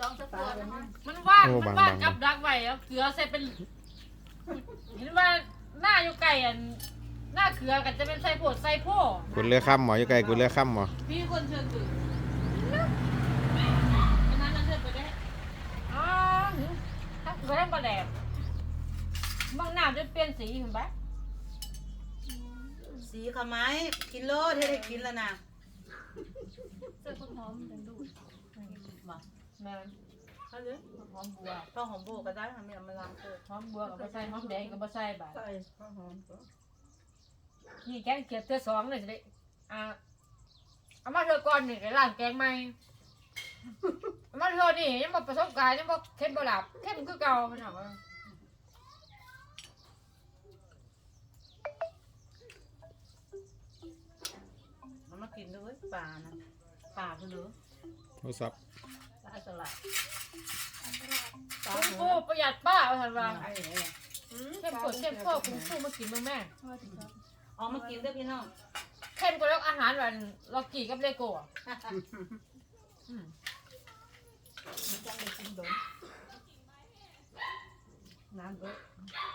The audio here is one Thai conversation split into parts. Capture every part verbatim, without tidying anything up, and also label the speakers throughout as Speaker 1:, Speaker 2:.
Speaker 1: องสักตัวนะคะ
Speaker 2: มันว่างมันว่างกับดักไว้เอาเกลือใส่เป็นเห็นว่าหน้าอยู่ไก่อันหน้าเกลือกันจะเป็นใส่ผดใส่โพ
Speaker 3: กุนเรือค่ำหมออยู่ไกลกุนเรือค่ำหมอ
Speaker 1: พี่คนเชิญตื่นอันนั้นเราเชิญไปได้
Speaker 2: อ๋อถ้าเกลือได้ปลาแดกบางน้ำจะเปลี่ยนสีเห็นไหม
Speaker 4: สีขาวไม้กินโลดให้ได้กินแล้วนะ
Speaker 1: เสื้อคนหอมเป็นดูด
Speaker 4: บอก
Speaker 2: แม่น
Speaker 4: เขาเลย
Speaker 2: หอมบัว
Speaker 4: ข้าวหอมโบก็ได้ทำให้มันล้างเกิด
Speaker 2: หอมบัวกับใส่หอมแดงกับใส่บาท
Speaker 4: ใส่ข้าวหอมก็
Speaker 2: นี่แกงเขียดเธอสองเลยสิได้อ่าเอามาเธอก่อนนี่ไอ้ร้านแกงใหม่เอามาเธอนี่ยังบอกประสบการณ์ยังบอกเข้มบหลับเข้มคือเก่ามันถามว่า
Speaker 4: มันมากินด้วยปลานะปลาคือเหลือ
Speaker 3: โทรศัพท์
Speaker 4: ปลาสลัดปลา
Speaker 2: คุณ
Speaker 4: หั
Speaker 2: ครู
Speaker 4: ว
Speaker 2: ประหยัดป้าเอาทันว่า
Speaker 4: ไอ้เนี่ย
Speaker 2: เข้มข้นเข้มข้นคุณครูมากินมึงแม่
Speaker 4: ออกมากินด้วยพี่น้อง
Speaker 2: เข้มกว่าแล้วอาหารแบบล็อกกี้กับเลโก้อะอืม
Speaker 4: จังเลยกินโดนน้ำเยอะ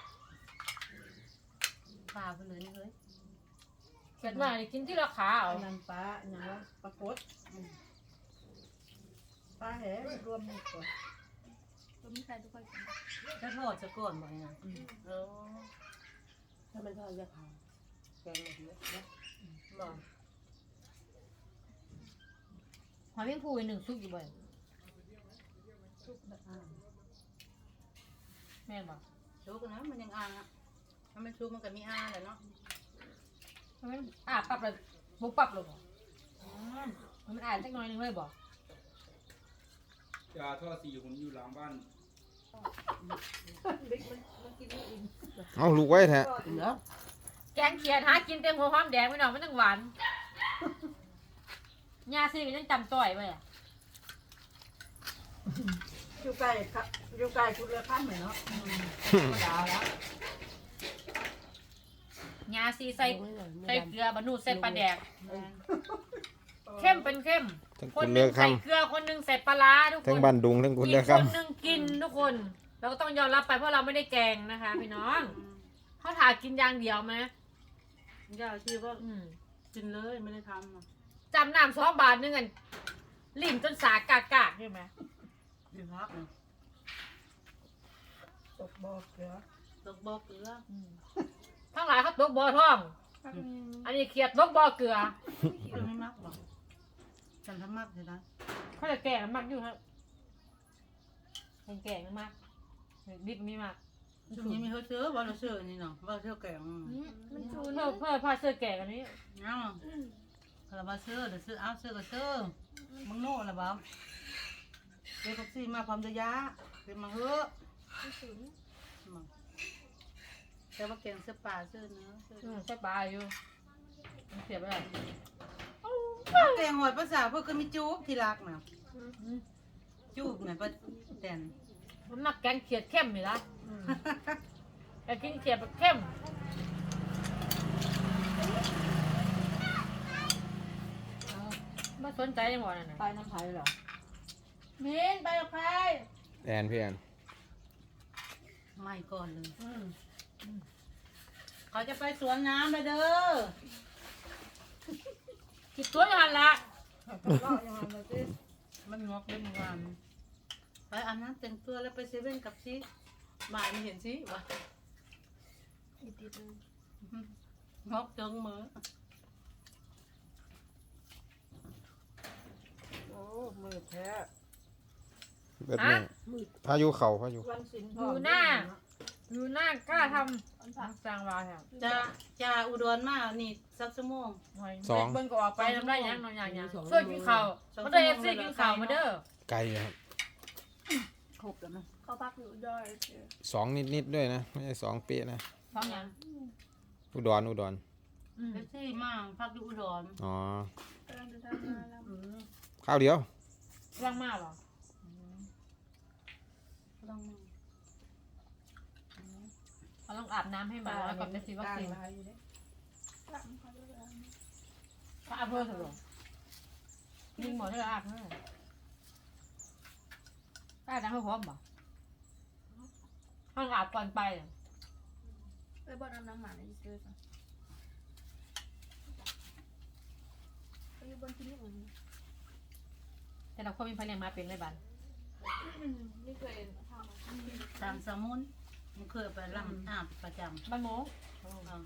Speaker 4: ปลาคือเหลือนี่เลย
Speaker 2: เกิดมาได้กินที่ราคาเอา
Speaker 4: น้ำปลาอย่างว่าปลากดปลาแหรวมหมดก่อน
Speaker 1: ตัวมีใครทุกคน
Speaker 4: จะทอดจะก่อนบ่อยนะเออถ้ามันทอดจะขาวแกงหมดเลยนะบอก
Speaker 2: หอยแมงภูอีกหนึ่งซุกอยู่บ่อย
Speaker 4: ชุกแบบอ่าง
Speaker 2: แม่บอก
Speaker 4: ชุกนะมันยังอ่างอ่ะถ้ามันชุกมันก็มีอ่างแหละเนาะ
Speaker 2: มันอ่าปรับเลยบุกปรับลงเหรออืมมันอ่านสักหน่อยหนึงเลยบอก
Speaker 5: ยาท่อสีผมอยู่หลังบ้าน
Speaker 3: เอาลูกไว้แท้
Speaker 4: เหรอ
Speaker 2: แกงเขียดหากินเต็มหัวหอมแดงไม่หนอกมันต้องหวานยาซีมันยังจำต่อยไปอ่ะ
Speaker 4: อยู่ไกลครับอยู่ไกลคุณเรือข้ามเหมือนเนาะดาวแล้ว
Speaker 2: ยาซีใส่ใส่เกลือบะนูใส่ปลาแดกเข้มเป็นเข้ม
Speaker 3: ทั้ง
Speaker 2: ค
Speaker 3: กุ
Speaker 2: น
Speaker 3: น
Speaker 2: ห
Speaker 3: เรื
Speaker 2: นึ่
Speaker 3: อง
Speaker 2: ใส่
Speaker 3: ค่ำ
Speaker 2: เกลือคนหนึ่งใส่ปลาร้าทุกค
Speaker 3: ทั้ง
Speaker 2: น
Speaker 3: บ้านดุงทั้งกุน
Speaker 2: อี
Speaker 3: เรื
Speaker 2: ก
Speaker 3: อ
Speaker 2: ค
Speaker 3: ค่
Speaker 2: นหนึ่งกินทุกคน เราก็ต้องยอมรับไปเพราะเราไม่ได้แกงนะคะพี่น้องเขาถากินอย่างเดียวไหม
Speaker 4: ย่าชีว่า
Speaker 2: อืม
Speaker 4: กินเลยไม่ได้ทำอ่ะ
Speaker 2: จำน้ำสองบาทหนึงกันลิ่นจนสากากากใช่ไหม
Speaker 4: ดีพักตกบอกเกลือตกบอกเกลือ
Speaker 2: อืมทั้งหลายเขาตกบ่อท่อง อันนี้เขียดตกบ่อเกลือ
Speaker 4: เกลือไม่มักหรอกฉันทำมักเลยนะ
Speaker 2: เขาจะแก่กันมากอยู่ครับเป็นแก่กันมากดิบมีมาก
Speaker 4: ช่วงนี้มีเขาเชื่อว่าเราเชื่อนี่เนาะว่าเชื่อแกง
Speaker 2: มันชูเพิ่มเพิ่มพาเสื้อแก่กันนี้
Speaker 4: เนาะเรามาเชื่อเดี๋ยวเชื่อเอาเชื่อก็เชื่อมึงโน่ละบ้าเด็กแท็กซี่มาความระยะเป็นมาเฮ้อแต่ว่าแกงเสื้อป่าเสื้อเนื้อเสื้อ
Speaker 2: อืมใส่ปลาอยู่มันเสียบไปเลย
Speaker 4: แกงหอยภาษาพวกก็มีจูบที่รักนะ
Speaker 2: อืม
Speaker 4: จูบไงป้าแตน
Speaker 2: มันมักแกงเขียดเข้มนี่ละอืมแต่กินเขียดแบบเข้มเอาไม่สนใจยังหวะนั่นน่ะ
Speaker 4: ไปน้ำไผ่เหรอ
Speaker 1: มินไปกับใคร
Speaker 3: แอนพี่แอน
Speaker 4: ไม่ก่อนเลย
Speaker 2: อืม
Speaker 4: เขาจะไปสวนน้ำเลยเด้อ
Speaker 2: คิดตัวอยังไงละ
Speaker 4: มันงอกเล่นงานไปอาบน้ำแต่งตัวแล้วไปเซเว่นกับซิบ่ายไม่เห็นซิวะ
Speaker 1: อีกทีนึง
Speaker 4: งอกเจิงมือ
Speaker 1: โอ้มือแท้
Speaker 3: เบ็ดนี่พายุเข่าพายุ
Speaker 1: วันสิน
Speaker 2: อยู่หน้าอยู่หน้ากล้าทำสร้างวาแถว
Speaker 4: จะจะอุดรมานี่สักชั่วโมง
Speaker 3: สอง
Speaker 2: เบิ้งก็ออกไปทำได้ยังนอนอย่างยังช่วยกินข้าวมาเด้อเอฟซีกินข้าวมาเด้อ
Speaker 3: ไกลอยู่ครับ
Speaker 4: ครบแล้วมั้ย
Speaker 1: เขาพักอยู่ย่อยเจอ
Speaker 3: สองนิดๆด้วยนะไม่ใช่สองเป๊ะนะ
Speaker 2: ท้องยัง
Speaker 3: อุดรอุดร
Speaker 2: อืม
Speaker 4: เอฟซีมาพักอยู่อุดร
Speaker 3: อ๋อก
Speaker 1: ำลังจะทำงานแล้ว
Speaker 3: ข้าวเดียว
Speaker 2: ว่างมากเหรอ
Speaker 4: ต้อง
Speaker 2: เราต้องอาบน้ำให้หมาแล้วก่อนจะฉีดวัคซีน
Speaker 1: หลังเขาจะท
Speaker 2: ถ้าอาบเพิ่มเถอะยิงหมอที่เราอาบเพิ่มป้าดังเขาพร้อมบ่ห้องอาบก่อนไป
Speaker 1: ไปบอลน้ำน้ำหมาในซื้อก่อนไปอยู่บนที่นี่อื่น
Speaker 2: แต่เราคนมีพลังมาเป็นเลยบัน
Speaker 1: ไม่เคยทำ
Speaker 4: ตามสมุนมันเคยไปลำอาบประจำ
Speaker 2: บ้านหมู
Speaker 4: เอา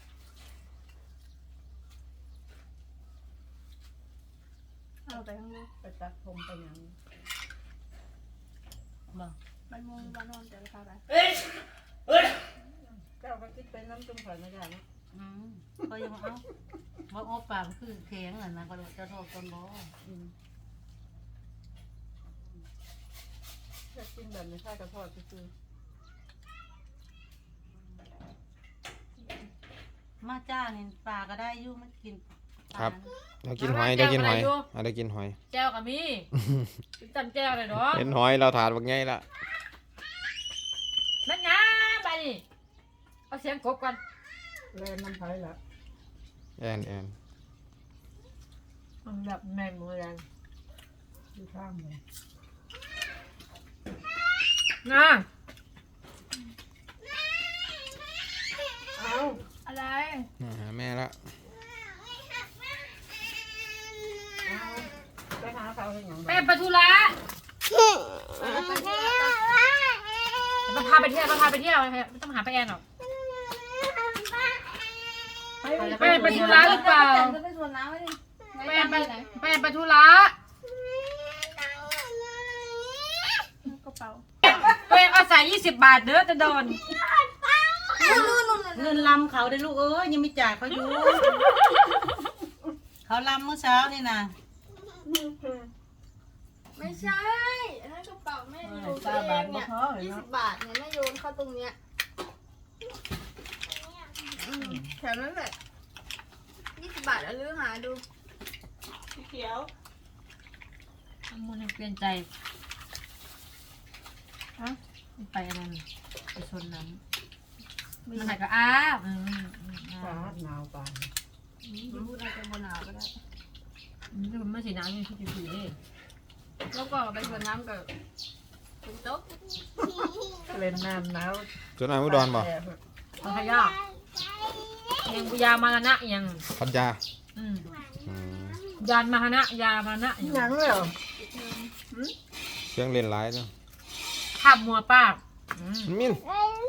Speaker 1: เอาไปข้างนอก
Speaker 4: ไปตัดผมไปหยังบ่
Speaker 1: มันมองวันนอนแต่ละพาไป
Speaker 4: เจ้าก็คิดเป็นน้ำจุ่มข่อยไม่ได้นะอืมก็ยังเอาว่าโอ้ปากมันคือแข็งอ่ะนะก็จะโทษคนบ่อืมอยากกินแบบนี้ข้าวกระทอดคือมาจ้านี่ปลาก็ได้อยู่มันกินปลา
Speaker 3: ครับเดี๋ยวกินหอยเดี๋ยวกินหอยอ่ะเดี๋ยวกินหอย
Speaker 2: แจ้วกับมีจำแจ้วเลยเนาะ
Speaker 3: เห็นหอยเราถาดว่าไงล่ะ
Speaker 2: นั่นไงไปนี่เอาเสียงกบกัน
Speaker 4: เล่นน้ำไผ่ละ
Speaker 3: แอนแอน
Speaker 2: มันแบบแมงมือแรง
Speaker 4: อยู่ข้างเลย
Speaker 2: นะ
Speaker 4: เอา
Speaker 1: อะไร
Speaker 3: มาหาแม่ละ
Speaker 4: ไปหาเขาเป็นอย่างไร
Speaker 2: แม่ไปธุระมาพาไปเที่ยวมาพาไปเที่ยวไม่ต้องหาไปแอนหรอกแม่ไปธุระหรือเปล่า
Speaker 1: จะไปสวนน้ำไหมดิ
Speaker 2: แม่ไปแม่ไปธุระ
Speaker 1: กระเป๋า
Speaker 2: ตัวเองเอาใส่ยี่สิบบาทเด้อจะโดน
Speaker 4: เงินลำเขาได้ลูกเอ้ยยังไม่จ่ายเขาอยู่ เขาลำเมื่อเช้านี่นะ
Speaker 1: ไม่ใช่อันนั้นกระเป๋าแม่โยนตัวเองเนี่ยยี่สิบบาทเนี่ยแม่โยนเข้าตรงเนี้ยอืมแถวนั้นแหละยี่สิบบาทแล้วลือหาดูเขียว
Speaker 2: มันยังเปลี่ยนใจฮะไปอะไรไปชนน้ำมันไหนก็อ้าวอืมอืมอ้าว
Speaker 4: หนาวปาน
Speaker 1: พูดอะไรกันบนหนาวก็ได้
Speaker 2: อืมมันไม่สีน้ำยังคิดอยู่ดีนี่
Speaker 1: แล้วก็ไปสวนน้ำกับคุณโต๊ะ
Speaker 4: เล่นน้ำหนาว
Speaker 3: จนนายมุดอนบ่
Speaker 2: พัทยายังปุยามานะยัง
Speaker 3: พัทยา
Speaker 2: อืม
Speaker 3: อืม
Speaker 2: ยานมานะยามานะ
Speaker 4: หนังเลยเหรอ
Speaker 3: เครื่องเล่นหลายเนาะ
Speaker 2: ขับมัวป้าอืม
Speaker 3: มิน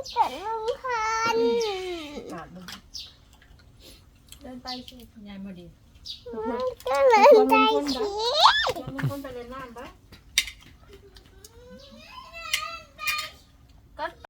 Speaker 1: เดินไปสิ
Speaker 2: ยายมาดี
Speaker 1: คนไปสิคนไปเล่นน้ำปะก็